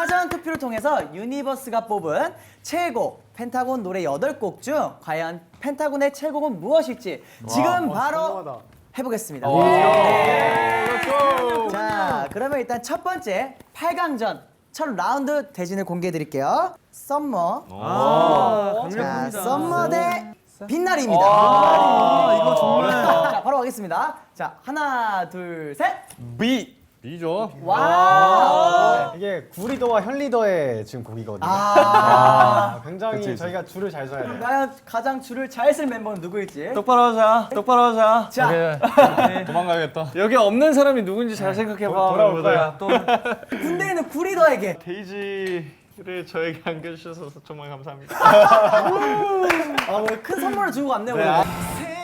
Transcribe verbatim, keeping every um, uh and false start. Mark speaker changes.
Speaker 1: 사전 투표를 통해서 유니버스가 뽑은 최고 펜타곤 노래 여덟 곡 중 과연 펜타곤의 최고는 무엇일지 지금
Speaker 2: 와,
Speaker 1: 바로
Speaker 2: 궁금하다.
Speaker 1: 해보겠습니다. 네. 자, 그러면 일단 첫 번째 팔 강전 첫 라운드 대진을 공개해 드릴게요. 썸머.
Speaker 3: 아,
Speaker 1: 자, 썸머 대 빛나리입니다.
Speaker 3: 아, 이거 정말.
Speaker 1: 자, 바로 가겠습니다. 자, 하나, 둘, 셋.
Speaker 3: B. B죠.
Speaker 1: 와.
Speaker 2: 이게 구리더와 현리더의 지금 곡이거든요.
Speaker 1: 아.
Speaker 2: 아, 굉장히
Speaker 3: 그치, 그치.
Speaker 2: 저희가 줄을 잘 서야 돼요.
Speaker 1: 과연 가장 줄을 잘 쓸 멤버는 누구일지.
Speaker 3: 똑바로 하자. 똑바로 하자.
Speaker 1: 자,
Speaker 3: 도망가야겠다. 여기 없는 사람이 누군지 잘 생각해봐.
Speaker 2: 돌아올 거야.
Speaker 3: 또
Speaker 1: 군대에 있는 구리더에게.
Speaker 3: 데이지를 저에게 안겨주셔서 정말 감사합니다.
Speaker 1: 아, 오늘 큰 선물을 주고 갔네요. 오늘.